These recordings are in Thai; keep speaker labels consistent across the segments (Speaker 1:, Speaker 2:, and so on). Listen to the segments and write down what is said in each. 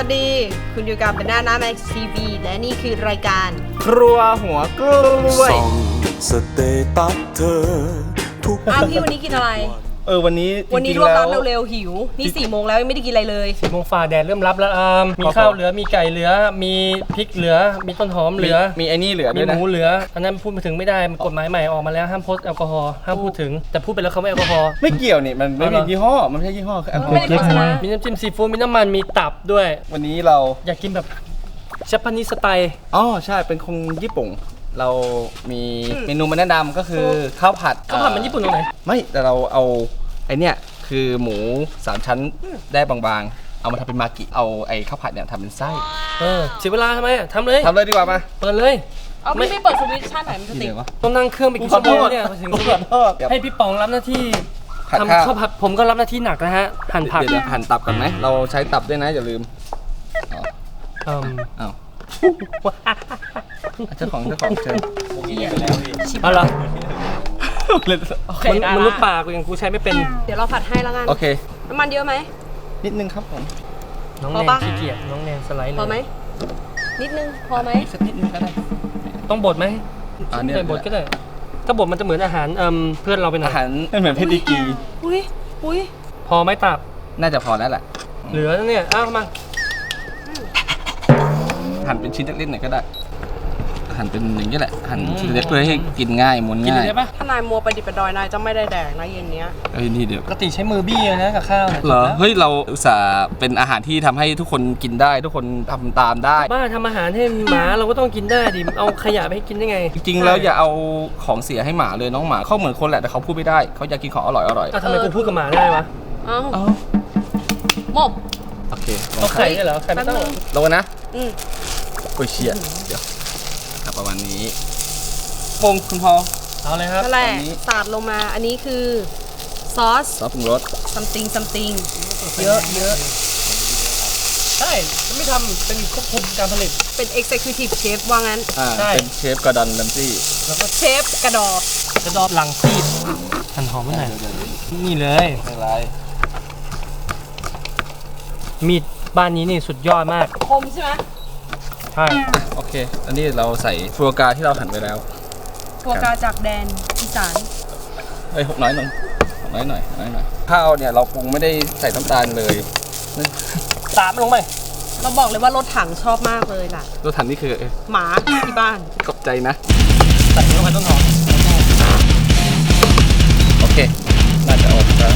Speaker 1: ดี คุณอยู่กับเป็นหน้าแม็กซ์ทีวีและนี่คือรายการ
Speaker 2: ครัวหัวกล้วย
Speaker 3: ส่องสเตตัสเธอทุก
Speaker 1: พี่วันนี้กินอะไร
Speaker 2: วันนี้
Speaker 1: รวบรัดเร็วๆหิวนี่4 โมงแล้วยังไม่ได้กินอะไรเลย
Speaker 4: 4 โมงฝ่าแดดเริ่มรับแล้วมีข้าวเหลือมีไก่เหลือมีพริกเหลือมีต้นหอมเหลือ
Speaker 2: มีไอ้นี่เหลือ
Speaker 4: มี
Speaker 2: ด้วย
Speaker 4: ห
Speaker 2: นะ
Speaker 4: มูเหลืออันนั้นพูดมาถึงไม่ได้กฎหมายใหม่ออกมาแล้วห้ามโพสแอลกอฮอล์ห้ามพูดถึงแต่พูดไปแล้วเขาไม่แอลกอฮอล์
Speaker 2: ไม่เกี่ยวนี่มันไม่มียี่ห้อมันไม่ใช่ยี่ห้อคือแอลกอฮอล์
Speaker 1: ไม่ได้โฆษณา
Speaker 4: มีน้ำจิ้มซีฟู้ดมีน้ำมันมีตับด้วย
Speaker 2: วันนี้เรา
Speaker 4: อยากกินแบบเชฟพานิสไตล์
Speaker 2: ใช่เป็นคนญี่ปุ่นเรามีเมนูมาแนะนำก็คือข้าวผัด
Speaker 4: มันญี่ปุ่นตรงไหน
Speaker 2: ไม่แต่เราเอาไอเนี้ยคือหมู3 ชั้นได้บางๆเอามาทำเป็นมากิเอาไอข้าวผัดเนี่ยทำเป็นไส้
Speaker 4: เสียเวลาทำไมทำเลย
Speaker 2: ดีกว่ามา
Speaker 4: เปิดเลย
Speaker 1: ไม่เปิดสวิตช์ชาติไหนมันจะติด
Speaker 4: ต้องนั่งเครื่องไปกี่ชั่วโมงเนี่ยถึงให้พี่ป๋องรับหน้าที่ทำข้าวผัดผมก็รับหน้าที่หนักนะฮะหั่นผัก
Speaker 2: เดี๋ยวหั่นตับกันไหมเราใช้ตับด้วยนะอย่าลืมเจ้าของเชิญ
Speaker 4: เอาละ
Speaker 1: ม
Speaker 4: นุษย์ป่ากูยังกูใช้ไม่เป็น
Speaker 1: เดี๋ยวเราผัดให้แล้วกัน
Speaker 2: โอเค
Speaker 1: น้ำมันเยอะไหม
Speaker 2: นิดนึงครับผม
Speaker 4: น้องแนนขี้เกียจน้องแนนสไลด์เลย
Speaker 1: พอไหมนิดนึงพอไหม
Speaker 2: สักนิดนึงก็ได้
Speaker 4: ต้องบดไหมไม่บดก็ได้ถ้าบดมันจะเหมือนอาหารเพื่อนเราเป็น
Speaker 2: อาหารเหมือนเพดิกี
Speaker 1: อุ้ย
Speaker 4: พอไหมตับ
Speaker 2: น่าจะพอแล้วแหละ
Speaker 4: เหลือเนี่ยมา
Speaker 2: หั่นเป็นชิ้นเล็กๆหน่อยก็ได้หั่นเป็นอย่างนี้แหละหั่นชิ้นเล็กเพื่อให้กินง่ายม้วนง่าย
Speaker 1: ถ้านายมัวไปดิบไปดอยนายจะไม่ได้แดกนะเย็นนี้
Speaker 2: นี่เดี๋ยว
Speaker 4: ปกติใช้มือบี้นะกับข้าว
Speaker 2: เหรอเฮ้ยเราอุตส่าห์เป็นอาหารที่ทำให้ทุกคนกินได้ทุกคนทำตามได้
Speaker 4: บ้าทำอาหารให้หมาเราก็ต้องกินได้ดิเอาขยะไปให้กินได้ไง
Speaker 2: จริงๆแล้วอย่าเอาของเสียให้หมาเลยน้องหมาเขาเหมือนคนแหละแต่เขาพูดไม่ได้เขาอยากกินของอร่อย
Speaker 4: ทำไมกูพูดกับหมาได้วะ
Speaker 1: หมบ
Speaker 2: โอเค
Speaker 4: เอาไข่ได้เหรอไข่ไม่ต้อง
Speaker 2: ลงนะโอ้ยเชี่ยเดี๋ยวประมาณนี้คุณพอ
Speaker 4: เอาเลยครับ
Speaker 1: นั่นแหละสาดลงมาอันนี้คือซอส
Speaker 2: ปรุงรส
Speaker 1: something เยอะ
Speaker 4: ใช่ไม่ทำเป็นควบคุมการผลิต
Speaker 1: เป็น executive chef ว่างั้น
Speaker 2: เป็นเชฟกระดอนแลมซี่
Speaker 1: แล้วก็เชฟกระดอบ
Speaker 4: หลังซีดหั่นหอมไม่ไหนนี่เลย
Speaker 2: ไม่ไร
Speaker 4: มีดบ้านนี้นี่สุดยอดมาก
Speaker 1: คมใช่ไหม
Speaker 4: ใช่
Speaker 2: โอเคอันนี้เราใส่ฟัวกราที่เราหั่นไปแล้ว
Speaker 1: ฟัวกราจากแดนอีสาน
Speaker 2: น้อยหน่อยข้าวเนี่ยเราปรุงไม่ได้ใส่น้ำตาลเลย
Speaker 4: ตามลงไป
Speaker 1: เราบอกเลยว่ารถถังชอบมากเลยล่ะ
Speaker 2: รถถังนี่คือ
Speaker 1: หมาที่บ้าน
Speaker 2: ขอบใจนะ
Speaker 4: ใส่ลงไปต้นหอม
Speaker 2: โอเคน่าจะออกแล้ว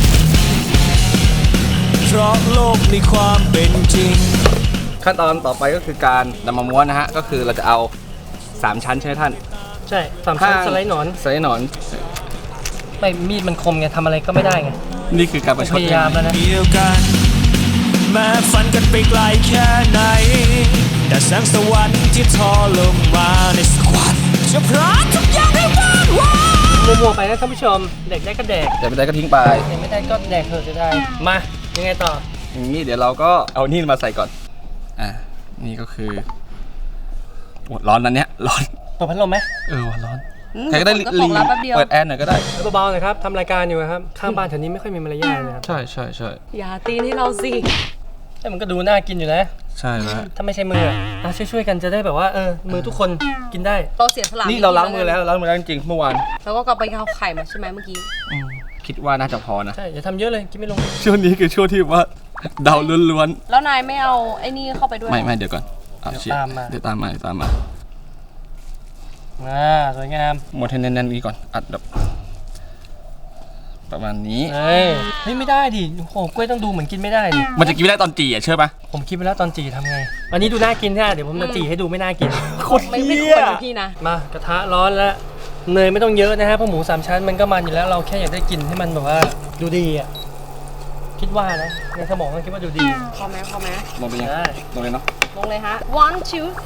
Speaker 3: เพราะโลกในความเป็นจริง
Speaker 2: ขั้นตอนต่อไปก็คือการนำมาม้วนนะฮะก็คือเราจะเอา3 ชั้นใช่ไหมท่าน
Speaker 4: ใช่3 ชั้นสไลด์หนอนไม่มีดมันคมไงทำอะไรก็ไม่ได้ไง
Speaker 2: นี่คือการประชด
Speaker 4: พยายามแล้วนะ
Speaker 3: เดียวกันแม้ฝันกันไปไกลแค่ไหนแต่แสงสวรรค์ที่ทอลงมาในสควอตจะพร้อมทุกอย่างให้บ้านว่า
Speaker 4: มัวๆไปนะท่านผู้ชมเด็กได้ก็แดก
Speaker 2: แต่ไม่ได้ก็ทิ้งไป
Speaker 4: ไม่ได้ก็แดกเถอะจะได้มายังไงต่อ
Speaker 2: อย่างนี้เดี๋ยวเราก็เอานี่มาใส่ก่อนนี่ก็คือร้อนนั้นเนี้ยร้อน
Speaker 4: ตัวพัดลมไหม
Speaker 2: ร้อนใครก็ได้เปิดแอร์หน่อยก็ได้
Speaker 4: เบาๆหน่อยครับทำรายการอยู่ครับข้างบ้านแถวนี้ไม่ค่อยมีมารยาทนะครับ
Speaker 2: ใช่
Speaker 1: อย่าตีให้เราสิ
Speaker 4: แต่มันก็ดูน่ากินอยู่นะ
Speaker 2: ใช่แล้ว
Speaker 4: ถ้าไม่ใช่มือช่วยๆกันจะได้แบบว่ามือทุกคนกินได้
Speaker 1: เราเสียสละ
Speaker 2: นี่เราล้างมือแล้วจริงเมื่อวาน
Speaker 1: แล้วก็กลับไปเอาไข่มาใช่ไหมเมื่อกี้
Speaker 2: คิดว่าน่าจะพอนะ
Speaker 4: ใช่อย่าทำเยอะเลยกินไม่ลง
Speaker 2: ช่วงนี้คือช่วงที่ว่าเดาล้วน
Speaker 1: ๆแล้วนายไม่เอาไอ้นี่เข้าไปด้วย
Speaker 2: ไม่เดี๋ยวก่อนเดี๋ยวตามมา
Speaker 4: สวยงาม
Speaker 2: หมดให้แน่นๆนี้ก่อนอัดแบบประมาณนี้
Speaker 4: เฮ้ยไม่ได้ดิโอ้โหกล้วยต้องดูเหมือนกินไม่ได้ดิ
Speaker 2: มันจะกินไม่ได้ตอนจี่เชื่อปะ
Speaker 4: ผมคิดไปแล้วตอนจี่ทำไงอันนี้ดูน่ากินใช่ไหมเดี๋ยวผมจะจี่ให้ดูไม่น่ากิน
Speaker 1: ไม่ควรพี่นะ
Speaker 4: มากระทะร้อนแล้วเนยไม่ต้องเยอะนะฮะเพราะหมู3 ชั้นมันก็มันอยู่แล้วเราแค่อยากได้กินให้มันแบบว่าดูดีคิดว่านะในสมองคิดว่าดูดี
Speaker 1: พอไหม
Speaker 2: ลงไปยังลงเลยเนาะ
Speaker 1: ลงเลยฮะ 1 2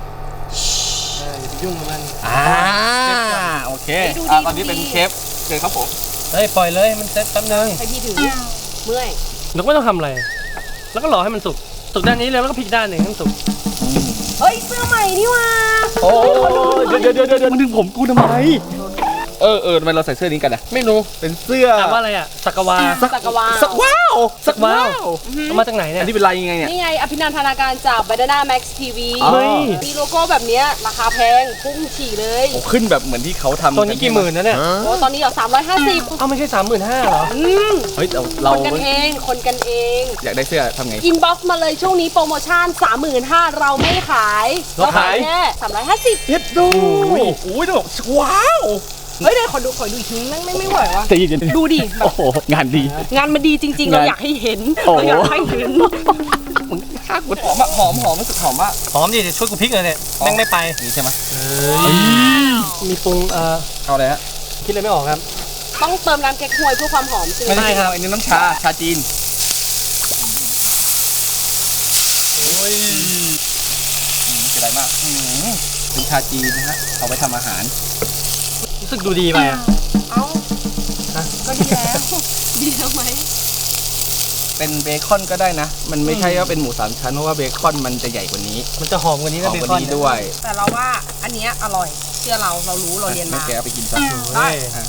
Speaker 4: 3ยุ่งกับมัน
Speaker 2: โอเคตอนนี้เป็นเชฟเชิญครับผม
Speaker 4: ปล่อยเลยมันเซ็ตแป๊บนึง
Speaker 1: ให้พี่ถือเมื่อย
Speaker 4: แล้วก็ไม่ต้องทำอะไรแล้วก็รอให้มันสุกด้านนี้เลยแล้วก็พลิกด้านหนึ่งให้มันสุก
Speaker 1: เฮ้ยเสื้อใหม่นี่ว่ะ
Speaker 2: โอ้เดี๋ยวมึงดึงผมกูทำไมทำไมเราใส่เสื้อนี้กันอะ
Speaker 4: ไม่รู้
Speaker 2: เป็นเสื้อ
Speaker 4: อ่านว่าอะไรอ่ะสักวา
Speaker 1: สักวา
Speaker 2: สักว้าวสักว้าว
Speaker 4: เอามาจากไหนเนี่ย
Speaker 2: อันนี้เป็นลายยังไงเนี่ย
Speaker 1: นี่ไงอภินันทนาการจาก Banana Max TV
Speaker 2: อ๋อ
Speaker 4: เฮ้ย
Speaker 1: มีโลโก้แบบเนี้ยราคาแพงพุ่งฉี่เลย
Speaker 2: โอ้ขึ้นแบบเหมือนที่เขาทำ
Speaker 4: ตัวนี้กี่หมื่นนะเนี่ย
Speaker 1: โอ้ตอนนี้เหรอ350
Speaker 4: เอ้าไม่ใช่35,000เหรอ
Speaker 2: เฮ้ย
Speaker 1: ค
Speaker 2: เรา
Speaker 1: นกันเองคนกันเอง
Speaker 2: อยากได้เสื้อทำไง
Speaker 1: อินบ็อกซ์มาเลยช่วงนี้โปรโมชั่น 35,000เราไม่ขาย
Speaker 4: เราขาย
Speaker 1: แค่350
Speaker 2: เฮ็ดดูโอ้ยต้องบอกว้าว
Speaker 1: เฮ้ยเดี๋ยวขอดูอีกทีไม่ไหววะ
Speaker 2: แต่ยิน
Speaker 1: ดูดิแบบ
Speaker 2: โอ้โหงานดี
Speaker 1: งานมันดีจริงๆ เราอยากให้เห็น
Speaker 2: โอ้โห
Speaker 1: เราอยากให้เห็น
Speaker 2: มึงฆ่ากูหอมอะหอมรู้สึกหอมมาก
Speaker 4: หอมดิเดี๋ยวช่วยกูพลิกเลยเนี่ยแม่งไม่ไป
Speaker 2: นี่ใช่ไหม
Speaker 4: มีปรุง
Speaker 2: เอาเลยฮะ
Speaker 4: คิดอะไรไม่ออกครับ
Speaker 1: ต้องเติมน้ำแก๊กฮวยเพื่อความหอมใช่ไหม
Speaker 2: ไม่ใช่ครับอันนี้น้ำชาจีนโอ้ยเสียดายมากเป็นชาจีนนะฮะเอาไปทำอาหาร
Speaker 4: รู้สึกดูดีไปอ่ะ
Speaker 1: เอ้า
Speaker 4: ฮะ
Speaker 1: ก็ดีแล้ว ดีแล้วไหม
Speaker 2: เป็นเบคอนก็ได้นะ มันไม่ใช่ว่าเป็นหมู3ชั้นเพราะว่าเบคอนมันจะใหญ่กว่านี้
Speaker 4: มันจะหอมกว่านี้
Speaker 2: ห
Speaker 4: นะ
Speaker 2: อม
Speaker 4: เบ
Speaker 2: กว่า
Speaker 4: คอน
Speaker 2: นี้ด้วย
Speaker 1: แต่เราว่าอันเนี้ยอร่อยเชื่อเรารู้เราเรียน
Speaker 2: ไม่
Speaker 1: มา
Speaker 2: แกเอาไปกินซะ
Speaker 4: ได้
Speaker 2: อ่ะ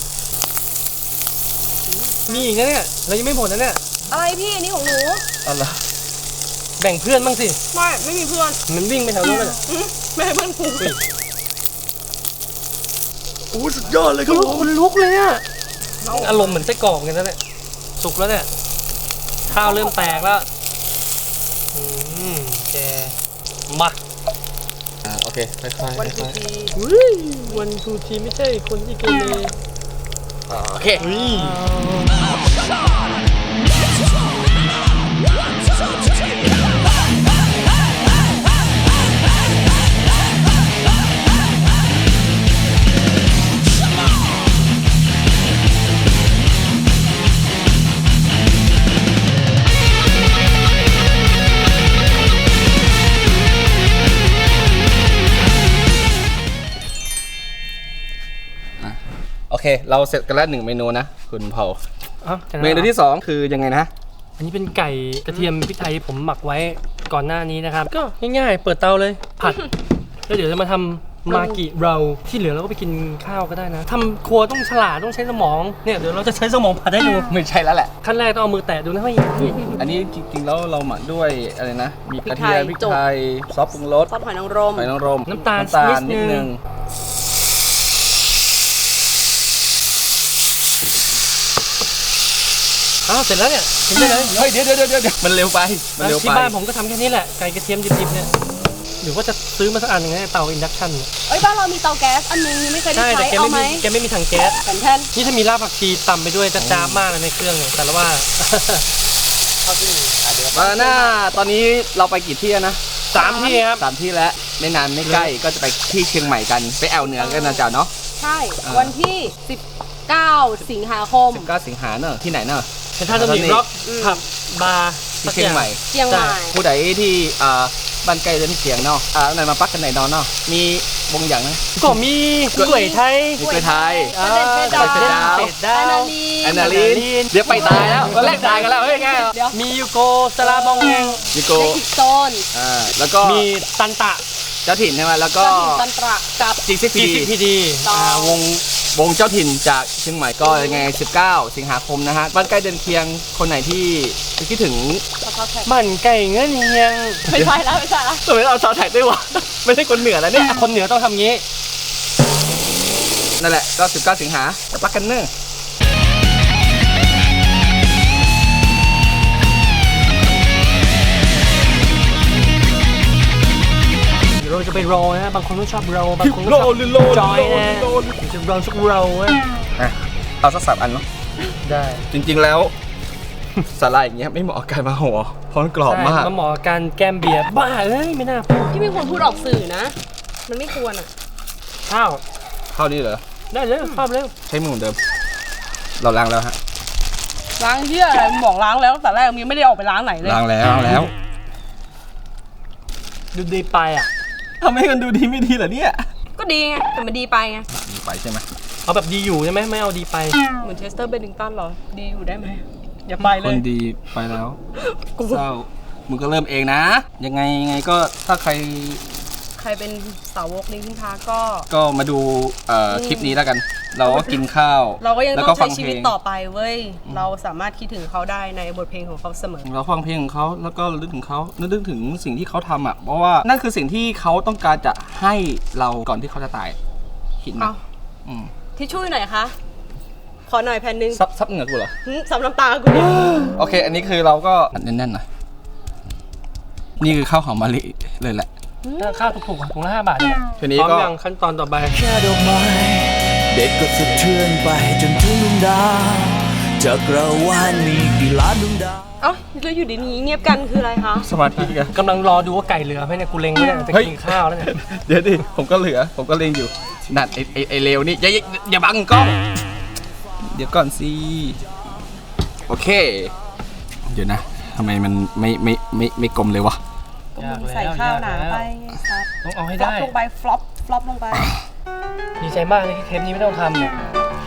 Speaker 4: มีอีกนะเนี่ยเรายังไม่หมดนะเนี่ย
Speaker 1: อะไรพี่อันนี้ของหนู
Speaker 2: เอาละ
Speaker 4: แบ่งเพื่อนบ้างสิ
Speaker 1: ไม่มีเพื่อน
Speaker 4: มันวิ่งไปแถวนู้นเลย
Speaker 1: ไม่ให้เพื่อนกู
Speaker 2: โอ้สุดยอดเลยครับผม
Speaker 4: คนลุกเลยอ่ะอารมณ์เหมือนไส้กรอกเหมือนกันนะเนี่ยสุกแล้วเนี่ยข้าวเริ่มแตกแล้วแกมา
Speaker 2: โอเคค่อยๆ
Speaker 1: วันทีที
Speaker 4: วันทูทีไม่ใช่คนที่เกเร
Speaker 2: โอเค โอเค เราเสร็จกันแล้ว1เมนูนะคุณเผา เมนูที่ 2 คือยังไงนะ
Speaker 4: อันนี้เป็นไก่กระเทียมพริกไทยผมหมักไว้ก่อนหน้านี้นะครับ ก็ง่ายๆ เปิดเตาเลยผัด แล้วเดี๋ยวจะมาทำมากิเราที่เหลือเราก็ไปกินข้าวก็ได้นะทำครัวต้องฉลาดต้องใช้สมองเนี่ยเดี๋ยวเราจะใช้สมองผัดให้ดู
Speaker 2: ไม่ใช่แล้วแหละ
Speaker 4: ขั้นแรกต้องเอามือแตะดูนะเฮ้ย
Speaker 2: อันนี้จริงๆแล้วเราหมักด้วยอะไรนะ มีกระเทียมพริกไทยซอสปรุงรส
Speaker 1: ซอสหอยนางรม
Speaker 2: หอยนางรม
Speaker 4: น้ำตาล
Speaker 2: นิดนึง
Speaker 4: อ้าวเสร็จแล้วเนี่ยกินได้เลย
Speaker 2: เฮ้ยเดี๋ยวมันเร็วไปมันเร็ว
Speaker 4: ที่
Speaker 2: ไป
Speaker 4: บ้านผมก็ทำแค่นี้แหละไก่กระเทียมดิบๆเนี่ยหรือว่าจะซื้อมาสักอันหนึ่งให้เตาอินดักชันเนี่ย
Speaker 1: เอ้ยบ้านเรามีเตาแก๊สอันนึงยังไม่เคยได้
Speaker 4: ใช่แต่
Speaker 1: ใช้เอาไหม
Speaker 4: แกไม่มีถังแก๊ส
Speaker 1: แผ่นแทน
Speaker 4: นี่ถ้ามีรากผักชีตำไปด้วยจะจ้าบมากเลยในเครื่องเนี่ยแต่ละว่า
Speaker 2: มาหน้าตอนนี้เราไปกี่ที่แล้วนะ
Speaker 4: 3 ที่ครับ
Speaker 2: 3 ที่แล้วไม่นานไม่ใกล้ก็จะไปที่เชียงใหม่กันไปแอวเหนือกันนะจ๊ะเนาะ
Speaker 1: ใช่ วันที่ 19 สิงหาคม
Speaker 2: 19 สิงหาเนอะที่ไหนเนอะ
Speaker 4: เป็นท่าสมิงร็อกผับบาร์
Speaker 2: ที่เชียงใหม่
Speaker 1: เชียงใหม่
Speaker 2: ผู้ใดที่บ้านใกล้เดินเสียงเนาะไหนมาปักกันไหนนอนเนาะมีวงอย่างนะ
Speaker 4: ก็มีกล้วยไทย
Speaker 2: มีกล้วยไทย
Speaker 1: ประเด็นเพชรดาว
Speaker 2: ประเด็นเพชรดาว
Speaker 4: เป็ดดาว
Speaker 2: แอนนาลีนเดี๋ยวไปตายแล้วก็แลกตายกันแล้วเฮ้ยแก
Speaker 1: เดี๋ยว
Speaker 4: มียูโกสลาบอง
Speaker 2: ยูโก
Speaker 1: ในอีกโซน
Speaker 2: แล้วก็
Speaker 4: มีตันตะ
Speaker 2: เจ้าถิ่นใช่ไหมแล้วก็
Speaker 1: ก็ถึงตันตระกับ
Speaker 2: จิกซิก
Speaker 4: จีซีพีดี
Speaker 1: ต่อ
Speaker 2: วงเจ้าถิ่นจากเชียงใหม่ก็ยังไง19 สิงหาคมนะฮะบ้านใกล้เดินเคียงคนไหนที่คิดถึง
Speaker 1: แล้วก็แท็ก
Speaker 4: มันไก่เงินเฮียง
Speaker 1: ไม่ใช่แล้วไม่ใช่แล้ว
Speaker 2: ทำไมเอาซาวแท็กด้วยวะ ไม่ใช่คนเหนือแล้วเนี่ย
Speaker 4: คนเหนือต้องทำงี้
Speaker 2: นั่นแหละก็19 สิงหาไปปักกันเนอะ
Speaker 4: เดี๋ยวเราจะไปโรลนะฮะบางคนก็ชอบโรลบางคนก็ชอบจอยนะเดี๋ยวจะโรลสักโรลนะ
Speaker 2: เอาสัก3 อันเนาะ
Speaker 4: ได้
Speaker 2: จริงๆแล้ว สาหร่ายอย่างเงี้ยไม่เหมาะกับการมาห่อเพราะมันกรอบมาก
Speaker 4: มันเหมาะกับการแก้มเบียร์บ้าเอ้ยไม่น่าพูด
Speaker 1: ที่ไม่ควรพูดออกสื่อนะ มันไม่ควรอ่ะ
Speaker 4: ข้าว
Speaker 2: เข้านี่เหรอ
Speaker 4: ได้เลยข้าวเร็ว
Speaker 2: ใช้มือเหมือนเดิม เราล้างแล้วฮะ
Speaker 1: ล้างเหี้ยอะไรมึงบอกล้างแล้วแต่แรกมึงยังไม่ได้ออกไปล้างไหนเลย
Speaker 2: ล้างแล้ว
Speaker 4: ดูดีไปอ่ะ
Speaker 2: ทำให้มันดูดีไม่ดีเหรอเนี่ย
Speaker 1: ก็ดีไงแต่มันดีไปไง
Speaker 2: ดีไปใช่ไหม
Speaker 4: เอาแบบดีอยู่ใช่ไหมไม่เอาดีไป
Speaker 1: เหมือนเชสเตอร์เบนนิงตันเหรอ ดีอยู่ได้ไหมอย่าไปเล
Speaker 2: ค
Speaker 1: ย
Speaker 2: นดีไปแล้วเศร้ามึงก็เริ่มเองนะ ยังไงก็ถ้าใคร
Speaker 1: ใครเป็นสาวกลิงคิงพาร์คก็
Speaker 2: ก็มาดูคลิปนี้แล้วกันเราก็กินข้าว
Speaker 1: เราก็ยัง
Speaker 2: แล้ว
Speaker 1: ต้อง
Speaker 2: ฟั
Speaker 1: ใช้ชีวิตต่อไปเว้ย เราสามารถคิดถึงเขาได้ในบทเพลงของเขาเสมอ
Speaker 2: เราฟังเพลงของเขาแล้วก็นึกถึงเขานึกถึงสิ่งที่เขาทำอ่ะเพราะว่านั่นคือสิ่งที่เขาต้องการจะให้เราก่อนที่เขาจะตายคิดไหม
Speaker 1: เอา
Speaker 2: อืม
Speaker 1: ทิชชู่หน่อยคะขอหน่อยแผ่นหนึ่ง
Speaker 2: ซับเหงื่อกูเหรอ
Speaker 1: ซับน้ำตากูดิ
Speaker 2: โอเค อันนี้คือเราก็แน่นๆหน่อยนี่คือข้าวหอมมะลิเลยแหละ
Speaker 4: ข้าวถูกๆถุงละ5 บาทเนี่ย
Speaker 2: ทีนี้
Speaker 4: พร้อม
Speaker 2: ก็
Speaker 4: ยังขั้นตอนต่อไป
Speaker 3: แค่ดอกไม้เด็กก็สะเทือนไปจนถึงดวงดาวจักรวาลมีกี่ล้านดวงดาว
Speaker 1: เอ้าแล้วอยู่ดีนี้เงียบกันคืออะไรคะ
Speaker 2: สมาธิกัน
Speaker 4: กำลังรอดูว่าไก่เหลือไหมเนี่ยกูเล็งไว้เนี่ยจะ
Speaker 2: เฮ้ย
Speaker 4: กินข้าวแล้วเนี่ย
Speaker 2: เดี๋ยวดิผมก็เหลือผมก็เล็งอยู่นั่นไอเลวนี่อย่าบังกล้องเดี๋ยวก่อนสิโอเค เดี๋ยวนะทำไมมันไม่กลมเลยวะ
Speaker 1: ก็มึงใส่ข้าวหนาไปไงครับ
Speaker 4: ต้องเอาให้
Speaker 1: ฟลอ
Speaker 4: ได้
Speaker 1: ปลงไปฟลอปลงไป
Speaker 4: ดีใจมากเลยที่เทปนี้ไม่ต้องทำเนี่ย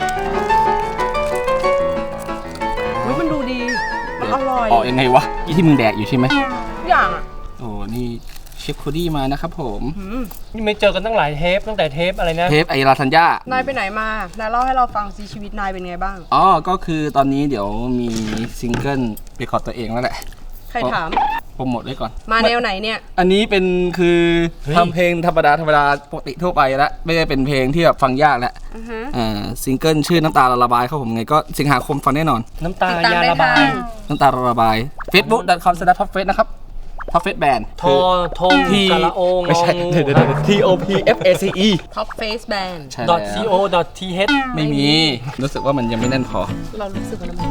Speaker 1: อุ๊ยมันดูดี มันอร่อย
Speaker 2: ออกยังไงวะยี่ที่มึงแดกอยู่ใช่ไหม
Speaker 1: ทุกอย่างอ่ะ
Speaker 2: โอ้นี่เชฟโคดี้มานะครับผม
Speaker 4: นี่ไม่เจอกันตั้งหลายเทปตั้งแต่เทปอะไรนะ
Speaker 2: เทปไอราทัญญาน
Speaker 1: ายไปไหนมา นายเล่าให้เราฟังสิชีวิตนายเป็นไงบ้าง
Speaker 2: อ๋อก็คือตอนนี้เดี๋ยวมีซิงเกิลเรคคอร์ดตัวเองแล้วแหละ
Speaker 1: ใครถาม
Speaker 2: โปรโมทไว้ก่อน
Speaker 1: มาแนวไหนเนี่ย
Speaker 2: อันนี้เป็นคือ
Speaker 4: เฮ้ย
Speaker 2: ทำเพลงธรรมดาปกติทั่วไปแล้วไม่ได้เป็นเพลงที่แบบฟังยากแล้ว
Speaker 1: อือฮะ
Speaker 2: ซิงเกิลชื่อน้ำตาระบายครับผมไงก็สิงหาคมฟังแน่นอน
Speaker 4: น้ำตา
Speaker 1: ติดตาม
Speaker 4: ยา
Speaker 1: ได้
Speaker 4: ระบาย
Speaker 1: ทาง
Speaker 2: น้ำตาระบาย facebook.com/topfest นะครับ topfest band
Speaker 4: ทอทงสระโอง
Speaker 2: ไม่ใช่
Speaker 4: งองู
Speaker 2: เดี๋ยวTOPFACE
Speaker 1: Top Face Band
Speaker 2: ใช่แล้ว
Speaker 4: .co .th
Speaker 2: ไม่มีรู้สึกว่ามันยังไม่แน่นพอ
Speaker 1: เรารู้สึกว่ามัน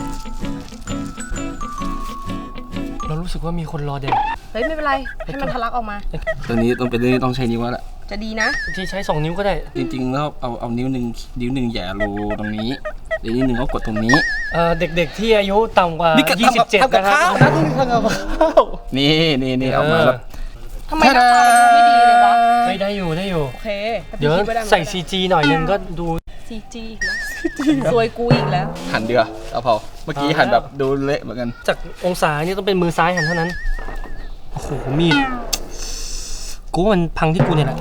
Speaker 4: เรารู้สึกว่ามีคนรอเด็ก
Speaker 1: เฮ้ยไม่เป็นไร ให้มันทะลักออกมา
Speaker 2: ตัวนี้ต้องเป็นเรื่องที่ต้องใช้นิ้วแล้วแหละ
Speaker 1: จะดีนะ
Speaker 4: ที่ใช้ 2 นิ้วก็ได้
Speaker 2: จริงๆแล้วเอานิ้วหนึ่งแหย่รูตรงนี้เดี๋ยวนิ้วหนึ่งก็กดตรงนี้
Speaker 4: เด็กๆที่อายุต่ำกว่า 27
Speaker 2: ทำกับ
Speaker 4: นะครับ
Speaker 2: ข้าวนะทำกับข้าวนี่ออกมาแล้ว
Speaker 1: ทำไมหน้าตามันดูไม่ดีเลยวะ
Speaker 4: ไม่ได้อยู่ได้อยู่
Speaker 1: โอเคถ้า
Speaker 4: เดี๋ยว
Speaker 1: พี่คิไม่ได้มัน
Speaker 4: ใส่
Speaker 1: ก็ได้
Speaker 4: CG หน่อยนึงก็ดู
Speaker 1: CG อีกแล้วซวยกูอีกแล้ว
Speaker 2: หันเดือเอาพอเมื่อกี้หันแบบดูเละเหมือนกัน
Speaker 4: จากองศานี่ต้องเป็นมือซ้ายหันเท่านั้น โอ้โห มีด กูว่ามันพังที่กูเนี่ยแหละ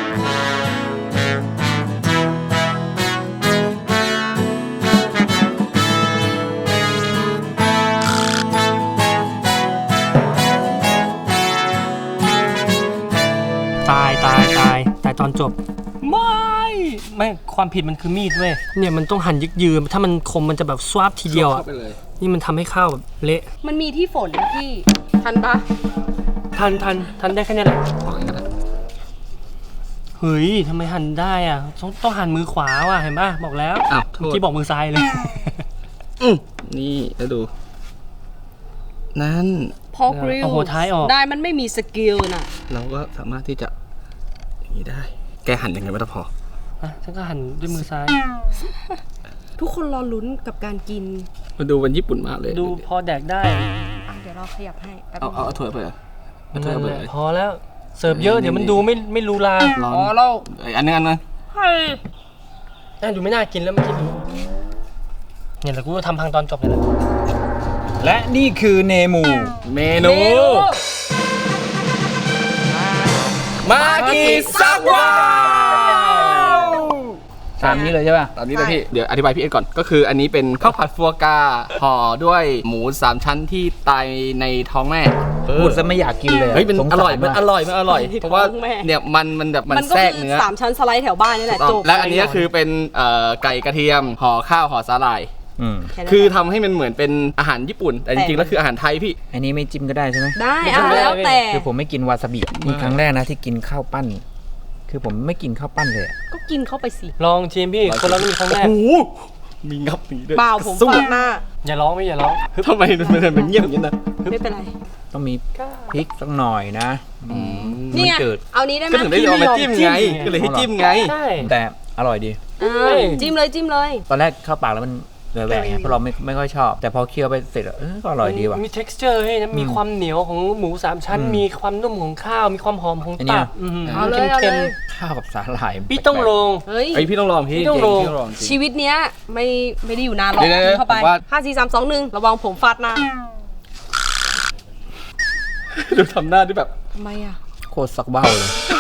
Speaker 4: ตายตอนจบ ไม่ความผิดมันคือมีดเว้ยเนี่ยมันต้องหั่นยึกยืมถ้ามันคมมันจะแบบสวาบทีเดียวอ่ะ
Speaker 2: เข้าไปเลย
Speaker 4: นี่มันทำให้ข้าวแบบเละ
Speaker 1: มันมีที่ฝนที่ทันปะ
Speaker 4: ทันได้แค่นี้แหละ
Speaker 2: ออกอย่างนั้นนะ
Speaker 4: เฮ้ยทำไมหั่นได้อ่ะต้องหั่นมือขวาว่ะเห็นป่ะบอกแล้ว
Speaker 2: อ้าวโท
Speaker 4: เมื่อ
Speaker 2: ษ
Speaker 4: กี้บอกมือซ้ายเลย
Speaker 2: นี่แล้วดู นั่น
Speaker 1: พอกริล
Speaker 4: เอาหัวท้ายออก
Speaker 1: ได้มันไม่มีสกิลน่ะ
Speaker 2: เราก็สามารถที่จะอย่างนี้ได้ แกหั่นยังไงไม่ต้องพอ
Speaker 4: อ่ะฉันก็หั่นด้วยมือซ้าย
Speaker 1: ทุกคนรอลุ้นกับการกิน
Speaker 2: มาดูวันญี่ปุ่นมากเลย
Speaker 4: ดูพอแดกได้
Speaker 1: เดี๋ยวเราขยับให้แป๊บ
Speaker 2: เอา
Speaker 1: นึง
Speaker 2: เอาถ้วยไปเลยเอาถ้วยไปเลย
Speaker 4: พอแล้วเสิร์ฟเยอะเดี๋ยวมันดูไม่รูลา
Speaker 2: ร้อน
Speaker 1: อ๋อเรา
Speaker 2: อันนึง
Speaker 4: น่าดูไม่น่ากินแล้วเมื่อกี้ดูเนี่ยแหละกูจะทำพังตอนจบเลยแหละ
Speaker 5: และนี่คือเนมู
Speaker 2: เมนู มากิซักวาว
Speaker 5: ตามนี้เลยใช่ป่ะ
Speaker 2: ตอนนี้เลยพี่ เดี๋ยวอธิบายพี่เอ็ดก่อน ก็คืออันนี้เป็นข้าวผัดฟัวกราห่อด้วยหมู3ชั้นที่ตายในท้องแม่
Speaker 5: พูดซะไม่อยากกินเลย
Speaker 2: เฮ้ยมัน
Speaker 5: สง
Speaker 2: อ
Speaker 5: สา
Speaker 2: ร่อย มัน
Speaker 5: ว่ะ
Speaker 2: อร่อย มันอร่อย เพราะว่าเนี่ยมันแบบมัน
Speaker 1: มันก็
Speaker 2: แทรก
Speaker 1: คือ
Speaker 2: เนื้อ
Speaker 1: 3 ชั้นสไลด์แถวบ้านนี่แหละจบ
Speaker 2: และอันนี้ก็คือเป็นไก่กระเทียมห่อข้าวห่อสาหร่าย
Speaker 1: แนั้น
Speaker 2: คือทำให้มันเหมือนเป็นอาหารญี่ปุ่น แต่จริงๆแล้วคืออาหารไทยพี่
Speaker 5: อันนี้ไม่จิ้มก็ได้ใช่ไหม
Speaker 1: ได้เอาแล้วแต่
Speaker 5: คือผมไม่กินวาซาบินี่ครั้งแรกนะที่กินข้าวปั้น คือผมไม่กินข้าวปั้นเลยอะ
Speaker 1: ก็กินเข้าไปสิ
Speaker 4: ลองชิมพี่คนเราก็มีครั้งแรก
Speaker 2: โอ้โหมีงับนี้ด้วย
Speaker 1: เปล่าผม
Speaker 2: สู้
Speaker 1: ฝากหน้า
Speaker 4: อย่าร้องไม่อย่าร้อง
Speaker 2: ทำไมมันเงียบอย่างนี้นะ
Speaker 1: ไม่เป็นไร
Speaker 5: ต้องมีพริกสักหน่อยนะ
Speaker 1: นี่ไง
Speaker 5: มันจืด
Speaker 1: เอานี้ได้ไหม
Speaker 2: ก็ถึงได้เอามาจิ้มไง ก็เลยให้จิ้มไง
Speaker 4: ใช่
Speaker 5: แต่อร่อยดี
Speaker 1: จิ้มเลยจิ้มเลย
Speaker 5: ตอนแรกเข้าปากแล้วมันแหวกๆไงเพราะเราไม่ค่อยชอบ แต่พอเคี้ยวไปเสร็จแล้วก็อร่อยดีว่ะ
Speaker 4: มี texture ให้นะมีความเหนียวของหมู3ชั้น มีความนุ่มของข้าว มีความหอมของ
Speaker 5: อันเนี้
Speaker 4: ตั
Speaker 5: ย
Speaker 4: บ
Speaker 1: เอาเลยเอา
Speaker 4: เค็
Speaker 1: เล
Speaker 4: ม
Speaker 1: ย
Speaker 5: ข้าวกับสาหร่าย
Speaker 4: ๆพี่ต้องลง
Speaker 1: เฮ้ย
Speaker 2: ไอพี่ต้องลองพี่
Speaker 4: พี่ต้องลอง
Speaker 2: พี่ต้องลองจริง
Speaker 1: ชีวิตเนี้ยไม่ได้อยู่นานหรอก
Speaker 2: เดี๋ยวๆ
Speaker 1: กินเข้าไป
Speaker 2: ผมว่า
Speaker 1: 5 4 3 2 1ระวังผมฟาดหน้า
Speaker 2: ดูทำหน้าด้วยแบบ
Speaker 1: ทำไมอ่ะ
Speaker 5: โคตรสักเบ้าเลย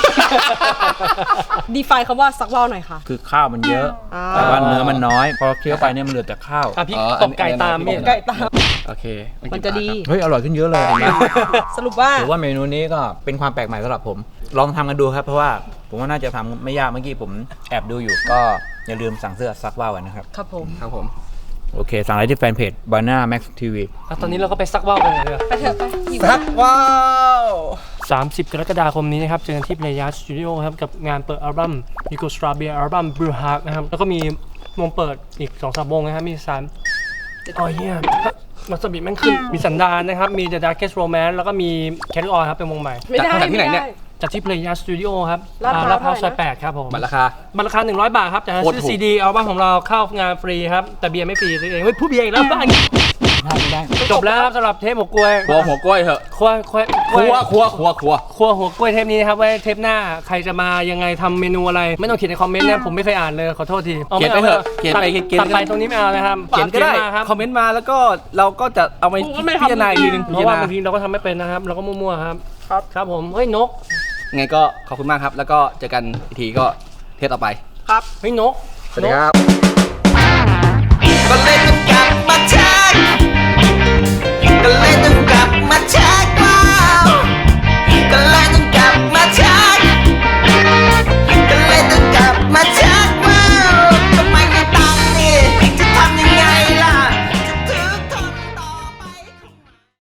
Speaker 1: ดีไฟคำว่าซักว่าวหน่อยค่ะ
Speaker 5: คือข้าวมันเยอะ
Speaker 1: อ่า
Speaker 5: แต่ว่าเนื้อมันน้อย พอเคี้ยวไปเนี่ยมันเหลือแต่ข้าว
Speaker 4: อ่ะพี่ตบไก่ตามเนี่ย
Speaker 1: ไก่ตาม
Speaker 2: โอเค
Speaker 1: มันจะดี
Speaker 5: เฮ้ยอร่อยขึ้นเยอะเลยนะ
Speaker 1: สรุปว่า
Speaker 5: ถือว่าเมนูนี้ก็เป็นความแปลกใหม่สำหรับผม ลองทำกันดูครับ เพราะว่าผมว่าน่าจะทำไม่ยากเมื่อกี้ผมแอบดูอยู่ ก็อย่าลืมสั่งเสื้อซักว่าวกันนะครับ
Speaker 1: ครับผม
Speaker 2: ครับผม
Speaker 5: โอเค สั่งได้ที่แฟนเพจ Banana Max TV
Speaker 4: อ่ะตอนนี้เราก็ไปซักว่าวกันเลย
Speaker 1: ไปเถอะไปหิว
Speaker 2: ซักว้าว
Speaker 4: 30 กรกฎาคมนี้นะครับเจอกันที่ Playas Studio ครับกับงานเปิดอัลบั้ม Yugoslavia อัลบั้ม Blue Heart นะครับแล้วก็มีวงเปิดอีก 2-3 วงนะครับมี3อ๋อเฮียมาสบิแม่งขึ้นมีสันดานนะครับมี The Darkest Romance แล้วก็มี Carry On ครับเป็นวงใหม่
Speaker 1: ไม่ได้
Speaker 2: จากที่ไหนเนี่ย
Speaker 1: ม่ด้
Speaker 4: จัดที่ Playas Studio ครับ
Speaker 1: ลาดพร้าว
Speaker 4: ลาดพร้าวซอย
Speaker 1: เท่าไหร่นะ
Speaker 4: 8ครับผม
Speaker 2: บัตรราคา
Speaker 4: บัตรราคา100 บาทครับแต่ถ้า
Speaker 2: โคตร
Speaker 4: ซื้อ
Speaker 2: ถูก
Speaker 4: ซีดีอัลบั้มของเราเข้างานฟรีครับแต่เบียร์ไม่ฟรีซื้อเองเฮ้ยผู้เบียร์อีกแล้วบ้าน
Speaker 5: ไม่ได้
Speaker 4: จบแล้วครับสำหรับเทปหัวกล้วย
Speaker 2: ครัวหัวกล้วยเถอะ
Speaker 4: ครัว
Speaker 2: ครัวหัวกล้วย
Speaker 4: เทปนี้นะครับไว้เทปหน้าใครจะมายังไงทำเมนูอะไร ไม่ต้องเขียนในคอมเมนต์นะผมไม่เคยอ่านเลยขอโทษที
Speaker 2: เขียนไปเถอะเขียนไปเขียน
Speaker 4: ตัดไปตรงนี้ไม่เอานะครับ
Speaker 2: เขียนก็ได้
Speaker 4: มาครับ
Speaker 2: คอมเมนต์มาแล้วก็เราก็จะเอาไป
Speaker 4: ผมก็ไม่
Speaker 2: พิจารณาอีกทีนึง
Speaker 4: เพราะว่าบางทีเราก็ทำไม่เป็นนะครับเราก็มั่วๆครับครับผมเฮ้ยนก
Speaker 2: ไงก็ขอบคุณมากครับ แล้วก็เจอกันอีกทีก็เทปต่อไป
Speaker 1: ครับ
Speaker 4: เฮ้ยนก
Speaker 2: สวัสดีครับก็เล่นกัน